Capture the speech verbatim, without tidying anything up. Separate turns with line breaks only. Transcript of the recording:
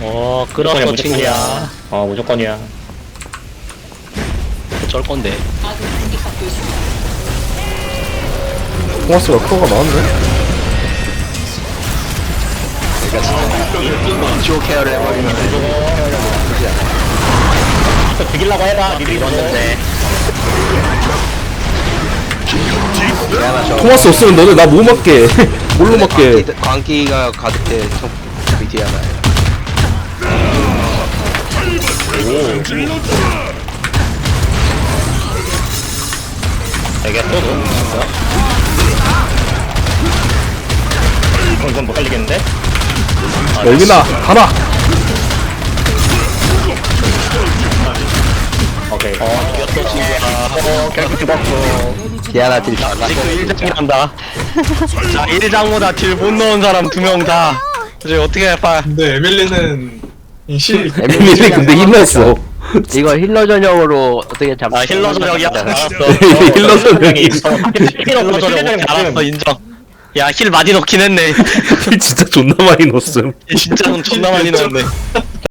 어,
무조건이야,
끌었어,
무조건이야.
친구야.
어, 무조건이야.
어쩔 건데.
토마스가 커가 나왔네?
조 케어를 해버리면
또 죽이려고 해봐, 니들이
이런데.
미안하 저
토마스 없으면 너네 나 뭐 맞게 뭘로 맞게.
광기, 광기가 가득해 저 디아나
되겠어, 너? 이건, 이건 못 살리겠는데?
열기나 가라.
오케이.
어, 이겼어, 친구야.
어, 결국 죽었어.
디아나 딜 잘라
지금 일 장이란다. 자, 일 장보다 딜 못 넣은 사람 두 명 다. 이제 어떻게 할까?
근데 에밀리는 이 실,
에밀리 근데 힘냈어.
이거 힐러 전용으로 어떻게 잡
아, 힐러 전역이야. 알았어.
힐러 전용이.
힐러 전역 알았어, 인정. 야, 힐 많이 넣긴 했네.
진짜 존나 많이 넣었음.
진짜 존나 많이 넣었네.